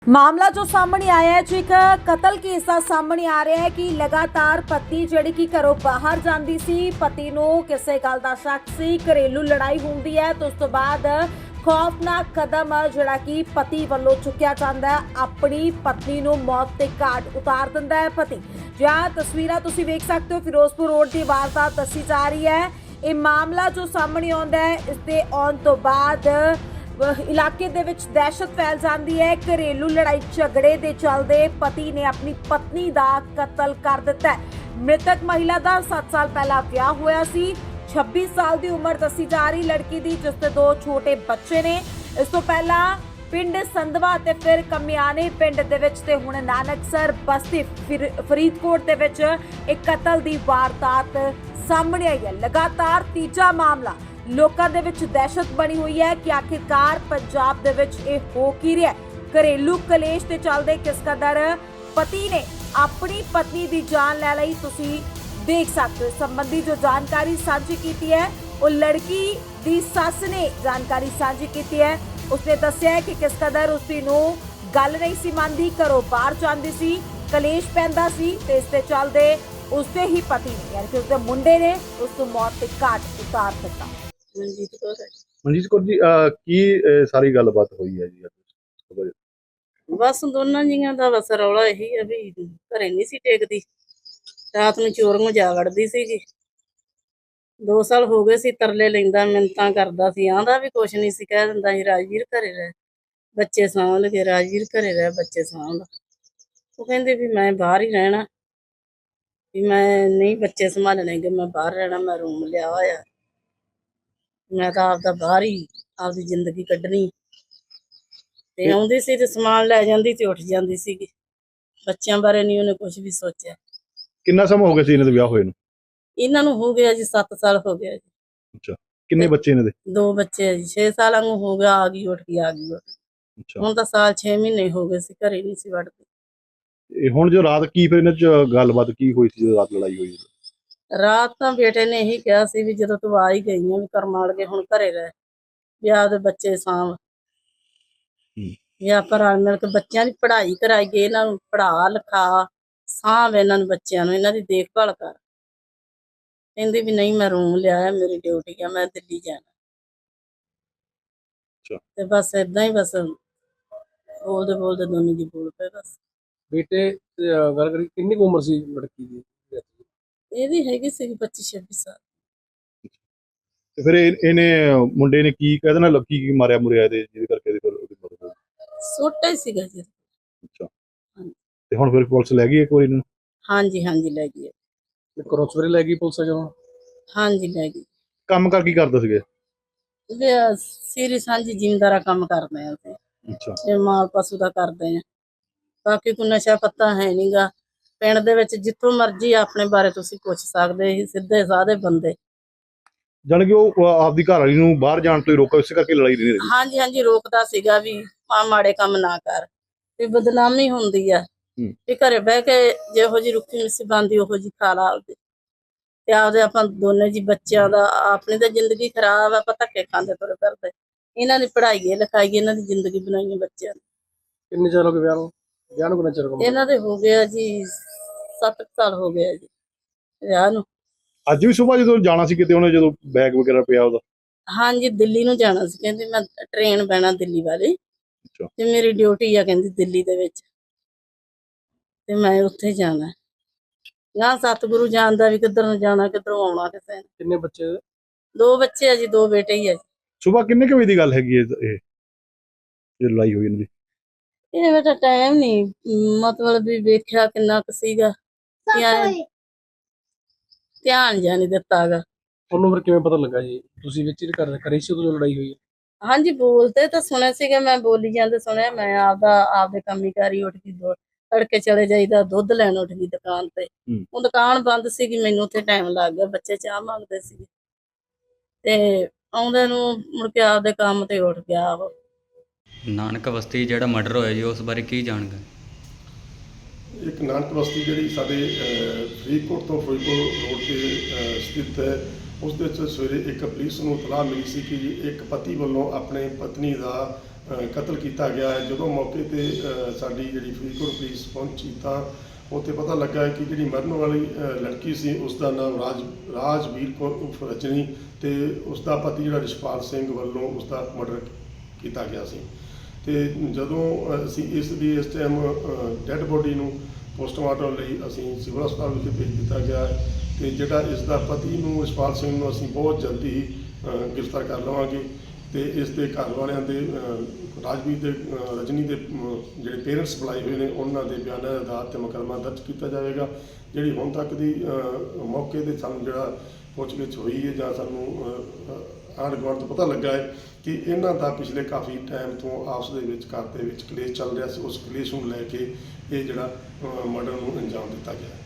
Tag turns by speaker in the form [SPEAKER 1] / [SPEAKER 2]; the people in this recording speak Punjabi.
[SPEAKER 1] ਮਾਮਲਾ ਜੋ ਸਾਹਮਣੇ ਆਇਆ ਹੈ, ਜੋ ਇੱਕ ਕਤਲ ਕੇਸ ਦਾ ਸਾਹਮਣੇ ਆ ਰਿਹਾ ਹੈ ਕਿ ਲਗਾਤਾਰ ਪਤਨੀ ਜਿਹੜੀ ਕਿ ਘਰੋਂ ਬਾਹਰ ਜਾਂਦੀ ਸੀ, ਪਤੀ ਨੂੰ ਕਿਸੇ ਗੱਲ ਦਾ ਸ਼ੱਕ ਸੀ, ਘਰੇਲੂ ਲੜਾਈ ਹੁੰਦੀ ਹੈ ਤੇ ਉਸ ਤੋਂ ਬਾਅਦ ਖੌਫਨਾਕ ਕਦਮ ਜਿਹੜਾ ਕਿ ਪਤੀ ਵੱਲੋਂ ਚੁੱਕਿਆ ਜਾਂਦਾ ਹੈ, ਆਪਣੀ ਪਤਨੀ ਨੂੰ ਮੌਤ ਦੇ ਘਾਟ ਉਤਾਰ ਦਿੰਦਾ ਹੈ ਪਤੀ। ਜਾਂ ਤਸਵੀਰਾਂ ਤੁਸੀਂ ਵੇਖ ਸਕਦੇ ਹੋ, ਫਿਰੋਜ਼ਪੁਰ ਰੋਡ ਦੀ ਵਾਰਦਾਤ ਦੱਸੀ ਜਾ ਰਹੀ ਹੈ। ਇਹ ਮਾਮਲਾ ਜੋ ਸਾਹਮਣੇ ਆਉਂਦਾ ਹੈ, ਇਸ ਦੇ ਆਉਣ ਤੋਂ ਬਾਅਦ ਇਲਾਕੇ ਦੇ ਵਿੱਚ ਦਹਿਸ਼ਤ ਫੈਲ ਜਾਂਦੀ ਹੈ। ਘਰੇਲੂ ਲੜਾਈ ਝਗੜੇ ਦੇ ਚੱਲਦੇ ਪਤੀ ਨੇ ਆਪਣੀ ਪਤਨੀ ਦਾ ਕਤਲ ਕਰ ਦਿੱਤਾ ਹੈ। ਮ੍ਰਿਤਕ ਮਹਿਲਾ ਦਾ 7 ਸਾਲ ਪਹਿਲਾਂ ਵਿਆਹ ਹੋਇਆ ਸੀ। 26 ਸਾਲ ਦੀ ਉਮਰ ਦੱਸੀ ਜਾ ਰਹੀ ਲੜਕੀ ਦੀ, ਜਿਸ ਦੇ 2 ਛੋਟੇ ਬੱਚੇ ਨੇ। ਇਸ ਤੋਂ ਪਹਿਲਾਂ ਪਿੰਡ ਸੰਧਵਾ ਤੇ ਫਿਰ ਕਮਿਆਣੇ ਪਿੰਡ ਦੇ ਵਿੱਚ ਤੇ ਹੁਣ ਨਾਨਕਸਰ ਬਸਤੀ ਫਰੀਦਕੋਟ ਦੇ ਵਿੱਚ ਇੱਕ ਕਤਲ ਦੀ ਵਾਰਦਾਤ ਸਾਹਮਣੇ ਆਈ ਹੈ। ਲਗਾਤਾਰ ਤੀਜਾ ਮਾਮਲਾ। ਲੋਕਾਂ ਦੇ ਵਿੱਚ ਦਹਿਸ਼ਤ ਬਣੀ ਹੋਈ ਹੈ ਕਿ ਆਖਿਰਕਾਰ ਪੰਜਾਬ ਦੇ ਵਿੱਚ ਇਹ ਹੋ ਕੀ ਰਿਹਾ। ਘਰੇਲੂ ਕਲੇਸ਼ ਦੇ ਚੱਲਦੇ ਕਿਸ ਕਦਰ ਪਤੀ ਨੇ ਆਪਣੀ ਪਤਨੀ ਦੀ ਜਾਨ ਲੈ ਲਈ, ਤੁਸੀਂ ਦੇਖ ਸਕਦੇ ਹੋ। ਇਸ ਸੰਬੰਧੀ ਜੋ ਜਾਣਕਾਰੀ ਸਾਂਝੀ ਕੀਤੀ ਹੈ, ਉਹ ਲੜਕੀ ਦੀ ਸੱਸ ਨੇ ਜਾਣਕਾਰੀ ਸਾਂਝੀ ਕੀਤੀ ਹੈ। ਉਸਨੇ ਦੱਸਿਆ ਹੈ ਕਿ ਕਿਸ ਕਦਰ ਉਸਦੀ ਨੂੰ ਗੱਲ ਨਹੀਂ ਸੀ ਮੰਨਦੀ, ਘਰੋਂ ਬਾਹਰ ਜਾਂਦੀ ਸੀ, ਕਲੇਸ਼ ਪੈਂਦਾ ਸੀ ਤੇ ਇਸ ਦੇ ਚੱਲਦੇ ਉਸਦੇ ਹੀ ਪਤੀ ਨੇ ਯਾਨੀ ਕਿ ਉਸਦੇ ਮੁੰਡੇ ਨੇ ਉਸ ਨੂੰ ਮੌਤ ਦੇ ਘਾਟ ਉਤਾਰ ਦਿੱਤਾ।
[SPEAKER 2] ਮਨਜੀਤ ਕੌਰ ਜੀ, ਕੀ ਸਾਰੀ ਗੱਲਬਾਤ ਹੋਈ ਹੈ ਜੀ?
[SPEAKER 3] ਬਸ ਦੋਨਾਂ ਜੀਆਂ ਦਾ ਬਸ ਰੌਲਾ ਇਹੀ ਹੈ ਵੀ ਘਰੇ ਨਹੀਂ ਸੀ ਟੇਕਦੀ, ਰਾਤ ਨੂੰ ਚੋਰੀਆਂ ਜਾ ਵੜਦੀ ਸੀਗੀ। 2 ਸਾਲ ਹੋ ਗਏ ਸੀ, ਤਰਲੇ ਲੈਂਦਾ, ਮਿੰਨਤਾਂ ਕਰਦਾ ਸੀ, ਆਂਦਾ ਵੀ ਕੁਛ ਨਹੀਂ ਸੀ, ਕਹਿ ਦਿੰਦਾ ਸੀ ਰਾਜਵੀਰ ਘਰੇ ਰਹਿ, ਬੱਚੇ ਸਾਂਭ ਲਗੇ, ਰਾਜਵੀਰ ਘਰੇ ਰਹਿ, ਬੱਚੇ ਸਾਂਭ। ਉਹ ਕਹਿੰਦੇ ਵੀ ਮੈਂ ਬਾਹਰ ਹੀ ਰਹਿਣਾ, ਵੀ ਮੈਂ ਨਹੀਂ ਬੱਚੇ ਸੰਭਾਲਣੇ ਗੇ, ਮੈਂ ਬਾਹਰ ਰਹਿਣਾ, ਮੈਂ ਰੂਮ ਲਿਆ ਹੋਇਆ, ਮੈਂ ਤਾਂ ਆਪਦਾ ਬਾਹਰ ਹੀ ਆਪਦੀ ਜ਼ਿੰਦਗੀ ਕੱਢਣੀ। ਤੇ ਆਉਂਦੀ ਸੀ ਤੇ ਸਮਾਨ ਲੈ ਜਾਂਦੀ ਤੇ ਉੱਠ ਜਾਂਦੀ ਸੀਗੀ। ਬੱਚਿਆਂ ਬਾਰੇ ਨਹੀਂ ਉਹਨੇ ਕੁਝ ਵੀ ਸੋਚਿਆ।
[SPEAKER 2] ਕਿੰਨਾ ਸਮਾਂ ਹੋ ਗਿਆ ਸੀ ਇਹਨਾਂ ਦੇ ਵਿਆਹ ਹੋਏ ਨੂੰ?
[SPEAKER 3] ਇਹਨਾਂ ਨੂੰ ਹੋ ਗਿਆ ਜੀ 7 ਸਾਲ ਹੋ ਗਿਆ ਜੀ।
[SPEAKER 2] ਅੱਛਾ, ਕਿੰਨੇ ਬੱਚੇ ਇਹਨਾਂ ਦੇ?
[SPEAKER 3] 2 ਬੱਚੇ ਆ ਜੀ। 6 ਸਾਲਾਂ ਨੂੰ ਹੋ ਗਿਆ, ਆ ਗਈ ਉੱਠ ਗਈ, ਆ ਗਈ ਉੱਠ।
[SPEAKER 2] ਅੱਛਾ,
[SPEAKER 3] ਹੁਣ ਤਾਂ ਸਾਲ 6 ਮਹੀਨੇ ਹੋ ਗਏ ਸੀ, ਘਰੇ ਨਹੀਂ ਸੀ ਵੜਦੀ।
[SPEAKER 2] ਇਹ ਹੁਣ ਜੋ ਰਾਤ ਕੀ ਫਿਰ ਇਹਨਾਂ ਚ ਗੱਲਬਾਤ ਕੀ ਹੋਈ ਸੀ ਜਦੋਂ ਰਾਤ ਲੜਾਈ ਹੋਈ?
[SPEAKER 3] ਰਾਤ ਤਾਂ ਬੇਟੇ ਨੇ ਇਹੀ ਕਿਹਾ ਸੀ ਵੀ ਜਦੋਂ ਤੂੰ ਆ ਹੀ ਗਈ ਆ ਵੀ ਕਰਮਾਲ ਕੇ ਹੁਣ ਘਰੇ ਰਹਿ, ਵੀ ਆਪਦੇ ਬੱਚੇ ਸਾਂਭ, ਵੀ ਆਪਾਂ ਰਲ ਮਿਲ ਕੇ ਬੱਚਿਆਂ ਦੀ ਪੜ੍ਹਾਈ ਕਰਾਈਏ, ਇਹਨਾਂ ਨੂੰ ਪੜ੍ਹਾ ਲਿਖਾ, ਸਾਂਭ ਇਹਨਾਂ ਨੂੰ, ਬੱਚਿਆਂ ਨੂੰ, ਇਹਨਾਂ ਦੀ ਦੇਖਭਾਲ ਕਰ। ਕਹਿੰਦੀ ਵੀ ਨਹੀਂ ਮੈਂ ਰੂਮ ਲਿਆ, ਮੇਰੀ ਡਿਊਟੀ ਆ, ਮੈਂ ਦਿੱਲੀ ਜਾਣਾ। ਤੇ ਬਸ ਏਦਾਂ ਹੀ ਬਸ ਬੋਲਦੇ ਬੋਲਦੇ ਦੋਨੋਂ ਜੀ ਬੋਲ ਪਏ ਬਸ।
[SPEAKER 4] ਬੇਟੇ ਗੱਲ ਕਰੀ ਕਿੰਨੀ ਕੁ ਉਮਰ ਸੀ ਲੜਕੀ ਦੀ?
[SPEAKER 3] ਇਹਦੀ ਹੈਗੀ ਸੀ 25-26 ਸਾਲ।
[SPEAKER 2] ਤੇ ਫਿਰ ਇਹਨੇ ਮੁੰਡੇ ਨੇ ਕੀ ਕਹਿ ਦੇਣਾ, ਲੱਕੀ ਕੀ ਮਾਰਿਆ ਮੁਰਿਆ ਇਹਦੇ ਜਿਹਦੇ ਕਰਕੇ ਇਹਦੀ ਉਹਦੀ ਮੌਤ ਹੋ ਗਈ?
[SPEAKER 3] ਛੋਟਾ ਹੀ ਸੀਗਾ ਜੀ।
[SPEAKER 2] ਅੱਛਾ, ਤੇ ਹੁਣ ਫਿਰ ਪੁਲਿਸ ਲੈ ਗਈ ਇੱਕ ਵਾਰੀ ਇਹਨੂੰ?
[SPEAKER 3] ਹਾਂਜੀ ਹਾਂਜੀ ਲੈ ਗਈ।
[SPEAKER 4] ਘਰੋਂ ਸਵੇਰੇ ਲੈ ਗਈ ਪੁਲਿਸ ਜਦੋਂ?
[SPEAKER 3] ਹਾਂਜੀ ਲੈ ਗਈ।
[SPEAKER 2] ਕੰਮ ਕਰ ਕੀ ਕਰਦੇ ਸੀਗੇ?
[SPEAKER 3] ਸੀਰੀ ਸਾਂਝੀ ਜ਼ਿਮੀਂਦਾਰਾ ਕੰਮ ਕਰਦੇ ਆ ਅਸੀਂ।
[SPEAKER 2] ਅੱਛਾ,
[SPEAKER 3] ਤੇ ਮਾਲ ਪਸ਼ੂ ਦਾ ਕਰਦੇ ਆ, ਬਾਕੀ ਕੋਈ ਨਸ਼ਾ ਪੱਤਾ ਹੈ ਨਹੀਂਗਾ ਪਿੰਡ ਦੇ ਵਿੱਚ। ਜਿੱਥੋਂ ਮਰਜ਼ੀ ਆਪਣੇ ਬਾਰੇ ਤੁਸੀਂ ਪੁੱਛ ਸਕਦੇ ਸੀ, ਸਿੱਧੇ ਸਾਦੇ ਬੰਦੇ।
[SPEAKER 2] ਜਾਣੀ ਕਿ ਉਹ ਆਪਦੀ ਘਰ ਵਾਲੀ ਨੂੰ ਬਾਹਰ ਜਾਣ ਤੋਂ ਹੀ ਰੋਕਾ, ਇਸੇ ਕਰਕੇ ਲੜਾਈ ਨਹੀਂ ਰਹੀ?
[SPEAKER 3] ਹਾਂਜੀ ਹਾਂਜੀ ਰੋਕਦਾ ਸੀਗਾ ਵੀ ਮਾੜੇ ਕੰਮ ਨਾ ਕਰ, ਵੀ ਬਦਨਾਮੀ ਹੁੰਦੀ ਆ, ਵੀ ਘਰੇ ਬਹਿ ਕੇ ਜਿਹੋ ਜਿਹੀ ਰੁੱਖੀ ਮਿੱਸੀ ਬਣਦੀ ਉਹੋ ਜਿਹੀ ਖਾ ਲਾ ਆਪਦੇ, ਤੇ ਆਪਦੇ ਆਪਾਂ ਦੋਨੇ ਜੀ ਬੱਚਿਆਂ ਦਾ, ਆਪਣੀ ਤਾਂ ਜ਼ਿੰਦਗੀ ਖਰਾਬ ਆ, ਆਪਾਂ ਧੱਕੇ ਖਾਂਦੇ ਤੁਰੇ ਫਿਰਦੇ। ਇਹਨਾਂ ਦੀ ਪੜ੍ਹਾਈਏ ਲਿਖਾਈਏ, ਇਹਨਾਂ ਦੀ ਜ਼ਿੰਦਗੀ ਬਣਾਈਏ ਬੱਚਿਆਂ ਦੀ।
[SPEAKER 4] ਕਿੰਨੇ ਚਿਰ ਹੋ ਗਏ ਵਿਆਹ ਨੂੰ? ਵਿਆਹ ਨੂੰ ਕਿੰਨਾ ਚਿਰ ਹੋ ਗਿਆ?
[SPEAKER 3] ਇਹਨਾਂ ਦੇ ਹੋ ਗਿਆ ਜੀ 7 ਸਾਲ ਹੋ ਗਿਆ ਜੀ ਵਿਆਹ ਨੂੰ।
[SPEAKER 2] ਅੱਜ ਵੀ ਸੁਬਾਹ ਜਦੋਂ ਜਾਣਾ ਸੀ ਕਿਤੇ, ਉਹਨੇ ਜਦੋਂ ਬੈਗ ਵਗੈਰਾ ਪਿਆ ਉਹਦਾ?
[SPEAKER 3] ਹਾਂਜੀ ਦਿੱਲੀ ਨੂੰ ਜਾਣਾ ਸੀ, ਕਹਿੰਦੀ ਮੈਂ ਟ੍ਰੇਨ ਬਹਿਣਾ ਦਿੱਲੀ ਵਾਲੀ, ਤੇ ਮੇਰੀ ਡਿਊਟੀ ਆ ਕਹਿੰਦੀ ਦਿੱਲੀ ਦੇ ਵਿੱਚ, ਤੇ ਮੈਂ ਉੱਥੇ ਜਾਣਾ। ਨਾ ਸਤਿਗੁਰੂ ਜਾਣਦਾ ਵੀ ਕਿੱਧਰ ਨੂੰ ਜਾਣਾ, ਕਿੱਧਰੋਂ ਆਉਣਾ ਕਿਸੇ ਨੇ।
[SPEAKER 4] ਕਿੰਨੇ ਬੱਚੇ?
[SPEAKER 3] 2 ਬੱਚੇ ਆ ਜੀ, 2 ਬੇਟੇ ਹੀ ਆ ਜੀ।
[SPEAKER 2] ਸੁਬਾਹ ਕਿੰਨੇ ਕੁ ਵਜੇ ਦੀ ਗੱਲ ਹੈਗੀ ਇਹ ਲੜਾਈ ਹੋਈ ਇਹਨਾਂ ਦੀ?
[SPEAKER 3] ਇਹ ਬੇਟਾ ਟਾਈਮ ਨਹੀਂ ਮਤਲਬ ਵੀ ਵੇਖਿਆ ਕਿੰਨਾ ਕੁ ਸੀਗਾ, ਧਿਆਨ ਜਾਂ ਨਹੀਂ ਦਿੱਤਾ ਗਾ।
[SPEAKER 4] ਉਹਨੂੰ ਫਿਰ ਕਿਵੇਂ ਪਤਾ ਲੱਗਾ ਜੀ? ਤੁਸੀਂ ਵਿੱਚ ਹੀ ਕਰੀ ਸੀ ਉਦੋਂ ਲੜਾਈ ਹੋਈ?
[SPEAKER 3] ਹਾਂਜੀ ਬੋਲਦੇ ਤਾਂ ਸੁਣਿਆ ਸੀਗਾ, ਮੈਂ ਬੋਲੀ ਜਾਂਦੇ ਸੁਣਿਆ। ਮੈਂ ਆਪਦੇ ਕੰਮੀ ਕਾਰੀ ਉੱਠ ਗਈ, ਤੜਕੇ ਚਲੇ ਜਾਈਦਾ, ਦੁੱਧ ਲੈਣ ਉੱਠ ਗਈ ਦੁਕਾਨ ਤੇ। ਉਹ ਦੁਕਾਨ ਬੰਦ ਸੀਗੀ, ਮੈਨੂੰ ਉੱਥੇ ਟਾਈਮ ਲੱਗ ਗਿਆ, ਬੱਚੇ ਚਾਹ ਮੰਗਦੇ ਸੀਗੇ, ਤੇ ਆਉਂਦੇ ਨੂੰ ਮੁੜ ਕੇ ਆਪਦੇ ਕੰਮ ਤੇ ਉੱਠ ਗਿਆ।
[SPEAKER 5] ਨਾਨਕ ਬਸਤੀ ਜਿਹੜਾ ਮਰਡਰ ਹੋਇਆ ਜੀ, ਉਸ ਬਾਰੇ ਕੀ ਜਾਣਕਾਰੀ?
[SPEAKER 6] ਇੱਕ ਨਾਨਕ ਬਸਤੀ ਜਿਹੜੀ ਸਾਡੇ ਫਰੀਦਕੋਟ ਤੋਂ ਫਿਰੋਜ਼ਪੁਰ ਰੋਡ 'ਤੇ ਸਥਿਤ ਹੈ, ਉਸ ਦੇ ਵਿੱਚ ਸਵੇਰੇ ਇੱਕ ਪੁਲਿਸ ਨੂੰ ਇਤਲਾਹ ਮਿਲੀ ਸੀ ਕਿ ਇੱਕ ਪਤੀ ਵੱਲੋਂ ਆਪਣੇ ਪਤਨੀ ਦਾ ਕਤਲ ਕੀਤਾ ਗਿਆ ਹੈ। ਜਦੋਂ ਮੌਕੇ ਤੇ ਸਾਡੀ ਜਿਹੜੀ ਫਰੀਦਕੋਟ ਪੁਲਿਸ ਪਹੁੰਚੀ ਤਾਂ ਉੱਥੇ ਪਤਾ ਲੱਗਾ ਕਿ ਜਿਹੜੀ ਮਰਨ ਵਾਲੀ ਲੜਕੀ ਸੀ ਉਸ ਦਾ ਨਾਮ ਰਾਜਵੀਰ ਕੌਰ ਉਰਫ ਰਜਨੀ ਤੇ ਉਸ ਦਾ ਪਤੀ ਜਿਹੜਾ ਰਿਸ਼ਪਾਲ ਸਿੰਘ ਵੱਲੋਂ ਉਸ ਦਾ ਮਰਡਰ ਕੀਤਾ ਗਿਆ ਸੀ। ਤੇ ਜਦੋਂ ਅਸੀਂ ਇਸ ਟਾਈਮ ਡੈੱਡ ਬੋਡੀ ਨੂੰ ਪੋਸਟਮਾਰਟਮ ਲਈ ਅਸੀਂ ਸਿਵਲ ਹਸਪਤਾਲ ਵਿਖੇ ਭੇਜ ਦਿੱਤਾ ਗਿਆ ਹੈ ਤੇ ਜਿਹੜਾ ਇਸ ਦਾ ਪਤੀ ਨੂੰ ਰਿਸ਼ਪਾਲ ਸਿੰਘ ਨੂੰ ਅਸੀਂ ਬਹੁਤ ਜਲਦੀ ਹੀ ਗ੍ਰਿਫਤਾਰ ਕਰ ਲਵਾਂਗੇ ਤੇ ਇਸ ਦੇ ਘਰ ਵਾਲਿਆਂ ਦੇ ਰਾਜਵੀਰ ਦੇ ਰਜਨੀ ਦੇ ਜਿਹੜੇ ਪੇਰੈਂਟਸ ਬੁਲਾਏ ਹੋਏ ਨੇ ਉਹਨਾਂ ਦੇ ਬਿਆਨਾਂ ਦੇ ਆਧਾਰ 'ਤੇ ਮੁਕੱਦਮਾ ਦਰਜ ਕੀਤਾ ਜਾਵੇਗਾ। ਜਿਹੜੀ ਹੁਣ ਤੱਕ ਦੀ ਮੌਕੇ 'ਤੇ ਸਾਨੂੰ ਜਿਹੜਾ ਪੁੱਛਗਿੱਛ ਹੋਈ ਹੈ ਜਾਂ ਸਾਨੂੰ ਆਂਢ ਗੁਆਂਢ ਤੋਂ ਪਤਾ ਲੱਗਾ ਹੈ ਕਿ ਇਹਨਾਂ ਦਾ ਪਿਛਲੇ ਕਾਫੀ ਟਾਈਮ ਤੋਂ ਆਪਸ ਦੇ ਵਿੱਚ ਘਰ ਦੇ ਵਿੱਚ ਕਲੇਸ਼ ਚੱਲ ਰਿਹਾ ਸੀ। ਉਸ ਕਲੇਸ਼ ਨੂੰ ਲੈ ਕੇ ਇਹ ਜਿਹੜਾ ਮਰਡਰ ਨੂੰ ਅੰਜਾਮ ਦਿੱਤਾ ਗਿਆ।